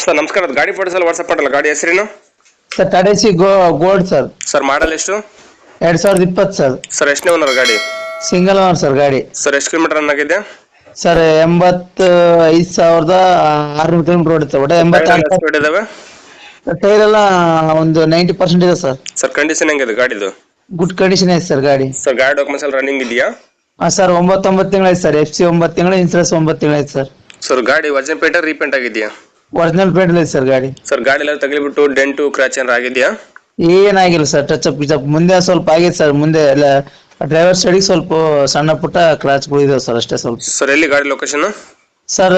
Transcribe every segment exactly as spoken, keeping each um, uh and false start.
Sir ನಮಸ್ಕಾರ, ಅದು ಗಾಡಿ ಫೋಟೋಸ್ ಎಲ್ಲ ವಾಟ್ಸಪ್ ಮಾಡಲ್ಲ. ಗಾಡಿ ಹೆಸರೇನು sir? Tata C go gold sir. Sir model ಎಷ್ಟು? ಎರಡ್ ಸಾವಿರದ ಇಪ್ಪತ್ತು ಸರ್. ಸರ್ ಎಷ್ಟನೇ ಓನರ್ ಗಾಡಿ? ಸಿಂಗಲ್ ಓನರ್ ಸರ್ ಗಾಡಿ. ಸರ್ ಎಷ್ಟು ಕಿಲೋಮೀಟರ್ ರನ್ ಆಗಿದೆ? ಸರ್ ಎಂಬತ್ತ ಐದು ಸಾವಿರದ ಆರ್ನೂರು ಕಿಲೋಮೀಟರ್ ಓಡಿತ್ತು. ಒಟ್ಟು ಎಂಬತ್ತ ಸ್ಪೀಡ್ ಇದಾವೆ? ಟೈರ್ ಎಲ್ಲ ಒಂದು ನೈಂಟಿ ಪರ್ಸೆಂಟ್ ಇದೆ ಸರ್. ಸರ್ ಕಂಡೀಷನ್ ಹೆಂಗಿದೆ ಗಾಡಿದು? ಗುಡ್ ಕಂಡೀಷನ್ ಐತೆ ಸರ್ ಗಾಡಿ. ಸರ್ ಗಾಡಿ ಡಾಕ್ಯುಮೆಂಟ್ಸ್ ಎಲ್ಲ ರನ್ನಿಂಗ್ ಇದೆಯಾ? ಹಾಂ ಸರ್, ಒಂಬತ್ತೊಂಬತ್ತು ತಿಂಗಳು ಐತೆ ಸರ್. ಎಫ್ ಸಿ ಒಂಬತ್ತು ತಿಂಗಳು, ಇನ್ಸೂರೆನ್ಸ್ ಒಂಬತ್ತು ತಿಂಗಳು ಐತೆ ಸರ್. ಸರ್ ಗಾಡಿ ವರ್ಜನ್ ಪೇಂಟ್ ರೀಪೇಂಟ್ ಆಗಿದೆಯಾ? ಒರಿಜಿನಲ್ ಪೇಂಟ್ ಐತೆ ಸರ್ ಗಾಡಿ. ಸರ್ ಗಾಡಿ ಎಲ್ಲ ತಗಲಿಬಿಟ್ಟು ಡೆಂಟು ಕ್ರಾಚ್ ಏನಾರ ಆಗಿದೆಯಾ? ಏನಾಗಿಲ್ಲ ಸರ್, ಟಚ್ ಅಪ್ ಗಿಚ್ ಅಪ್ ಮುಂದೆ ಸ್ವಲ್ಪ ಆಗೈತೆ ಸರ್. ಮುಂದೆ ಎಲ್ಲ ಡ್ರೈವರ್ ಸೈಡಿಗೆ ಸ್ವಲ್ಪ ಸಣ್ಣ ಪುಟ್ಟ ಕ್ರಾಚ್ಗಳು ಇದಾವೆ ಸರ್, ಅಷ್ಟೇ ಸ್ವಲ್ಪ. ಸರ್ ಎಲ್ಲಿ ಗಾಡಿ ಲೊಕೇಶನ್? ಸರ್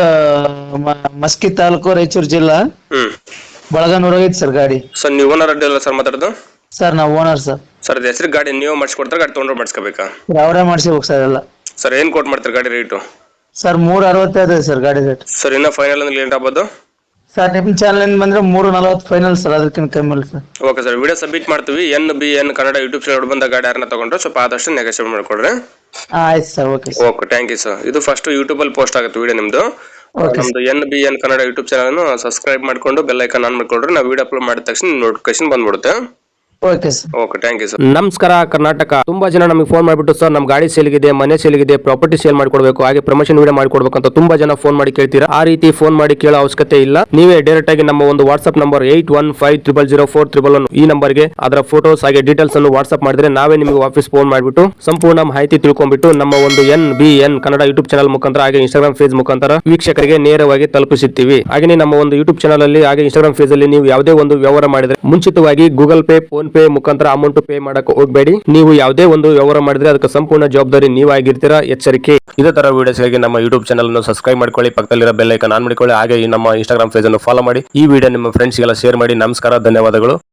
ಮಸ್ಕಿ ತಾಲೂಕು, ರಾಯಚೂರು ಜಿಲ್ಲಾ, ಹ್ಮ್ ಬಳಗನೂರ ಐತೆ ಸರ್ ಗಾಡಿ. ಸರ್ ನೀವು ಓನರ್ ಅಡ್ಡಿ ಅಲ್ಲ ಸರ್ ಮಾತಾಡೋದು? ಸರ್ ನಾವು ಓನರ್ ಸರ್. ಸರ್ ಅದು ಹೆಸರು ಗಾಡಿ ನೀವು ಮಾಡಿಸ್ಕೊಡ್ತಾರೆ, ಗಾಡಿ ತೊಗೊಂಡ್ರೆ ಮಾಡಿಸ್ಕೋಬೇಕಾ? ಅವರೇ ಮಾಡಿಸ್ಬೇಕು ಸರ್ ಎಲ್ಲ. ಸರ್ ಏನು ಕೊಟ್ಟು ಮಾಡ್ತಾರೆ ಗಾಡಿ ರೇಟು? ಸರ್ ಮೂರು ಅರವತ್ತೈದು ಸರ್ ಗಾಡಿ ರೇಟ್. ಸರ್ ಇನ್ನೂ ಫೈನಲ್ ಅಂದ್ರೆ ಲೇಟ್ ಆಗ್ಬೋದು? ಸರ್ ನಿಮ್ಮ ಚಾನಲ್ ಬಂದ್ರೆ ಮೂರು ನಲವತ್ತು ಫೈನಲ್ ಸರ್, ಅದಕ್ಕಿಂತ ಕಮ್ಮಿ ಇಲ್ಲ sir. Okay sir, video submit ಮಾಡ್ತೀವಿ. N B N Kannada YouTube channel ಬಂದ ಗಾಡಿ ಯಾರನ್ನ ತಗೊಂಡ್ರೆ ಸ್ವಲ್ಪ ಆದಷ್ಟು ನೆಗೋಷಿಯೇಟ್ ಮಾಡಿಕೊಡ್ರಿ. ಹಾಂ ಆಯ್ತು sir, okay sir. Okay, thank you sir. ಇದು ಫಸ್ಟ್ ಯೂಟ್ಯೂಬಲ್ಲಿ ಪೋಸ್ಟ್ ಆಗುತ್ತೆ ವಿಡಿಯೋ ನಿಮ್ಮದು. ನಮ್ದು N B N Kannada YouTube channel subscribe ಮಾಡ್ಕೊಂಡು ಬೆಲ್ ಐಕಾನ್ ಆನ್ ಮಾಡ್ಕೊಳ್ರಿ. ನಾವು ವಿಡಿಯೋ ಅಪ್ಲೋಡ್ ಮಾಡಿದ ತಕ್ಷಣ ನೋಟಿಫಿಕೇಶನ್ ಬಂದ್ಬಿಡುತ್ತೆ. Okay sir. Okay, thank you sir. ನಮಸ್ಕಾರ ಕರ್ನಾಟಕ. ತುಂಬಾ ಜನ ನಮಗೆ ಫೋನ್ ಮಾಡಿಬಿಟ್ಟು ಸರ್ ನಮ್ಮ ಗಾಡಿ ಸೇಲ್ಗಿದೆ, ಮನೆ ಸೇಲ್ಗಿದೆ, ಪ್ರಾಪರ್ಟಿ ಸೇಲ್ ಮಾಡ್ಕೊಡ್ಬೇಕು, ಹಾಗೆ ಪ್ರಮೋಷನ್ ವಿಡಿಯೋ ಮಾಡ್ಕೊಡ್ಬೇಕು ಅಂತ ತುಂಬಾ ಜನ ಫೋನ್ ಮಾಡಿ ಕೇಳ್ತೀರಾ. ಆ ರೀತಿ ಫೋನ್ ಮಾಡಿ ಕೇಳೋ ಅವಶ್ಯಕತೆ ಇಲ್ಲ. ನೀವೇ ಡೈರೆಕ್ಟ್ ಆಗಿ ನಮ್ಮ ಒಂದು WhatsApp number eight one five triple zero four triple one ಈ ನಂಬರ್ಗೆ ಅದರ ಫೋಟೋಸ್ ಹಾಗೆ ಡೀಟೇಲ್ಸ್ ಅನ್ನು ವಾಟ್ಸ್ಆಪ್ ಮಾಡಿದ್ರೆ ನಾವೇ ನಿಮಗೆ ವಾಪಸ್ ಫೋನ್ ಮಾಡಿಬಿಟ್ಟು ಸಂಪೂರ್ಣ ಮಾಹಿತಿ ತಿಳ್ಕೊಂಡ್ಬಿಟ್ಟು ನಮ್ಮ ಒಂದು N B N Kannada YouTube channel ಮುಖಾಂತರ ಹಾಗೆ ಇನ್ಸ್ಟಾಗ್ರಾಮ್ ಪೇಜ್ ಮುಖಾಂತರ ವೀಕ್ಷಕರಿಗೆ ನೇರವಾಗಿ ತಲುಪಿಸುತ್ತೀವಿ. ಹಾಗೆ ನಮ್ಮ ಒಂದು ಯೂಟ್ಯೂಬ್ ಚಾನಲ್ ಅಲ್ಲಿ ಹಾಗೆ ಇನ್ಸ್ಟಾಗ್ರಾಮ್ ಪೇಜ್ ಅಲ್ಲಿ ನೀವು ಯಾವುದೇ ಒಂದು ವ್ಯವಹಾರ ಮಾಡಿದ್ರೆ ಮುಂಚಿತವಾಗಿ ಗೂಗಲ್ ಪೇ, ಫೋನ್ ಪೇ ಮುಖಾಂತರ ಅಮೌಂಟ್ ಪೇ ಮಾಡಕ್ಕೆ ಹೋಗಬೇಡಿ. ನೀವು ಯಾವುದೇ ಒಂದು ವ್ಯವಹಾರ ಮಾಡಿದ್ರೆ ಅದಕ್ಕೆ ಸಂಪೂರ್ಣ ಜವಾಬ್ದಾರಿ ನೀವಾಗಿರ್ತೀರಾ, ಎಚ್ಚರಿಕೆ. ಇದೇ ತರ ವಿಡಿಯೋಸ್ಗಾಗಿ ನಮ್ಮ ಯೂಟ್ಯೂಬ್ ಚಾನಲ್ ಅನ್ನು ಸಬ್ಸ್ಕ್ರೈಬ್ ಮಾಡ್ಕೊಳ್ಳಿ, ಪಕ್ಕದಲ್ಲಿರೋ ಬೆಲ್ ಐಕಾನ್ ಆನ್ ಮಾಡಿಕೊಳ್ಳಿ, ಹಾಗೆ ನಮ್ಮ ಇನ್ಸ್ಟಾಗ್ರಾಮ್ ಪೇಜ್ ಅನ್ನು ಫಾಲೋ ಮಾಡಿ. ಈ ವಿಡಿಯೋ ನಿಮ್ಮ ಫ್ರೆಂಡ್ಸ್ಗೆಲ್ಲ ಶೇರ್ ಮಾಡಿ. ನಮಸ್ಕಾರ, ಧನ್ಯವಾದಗಳು.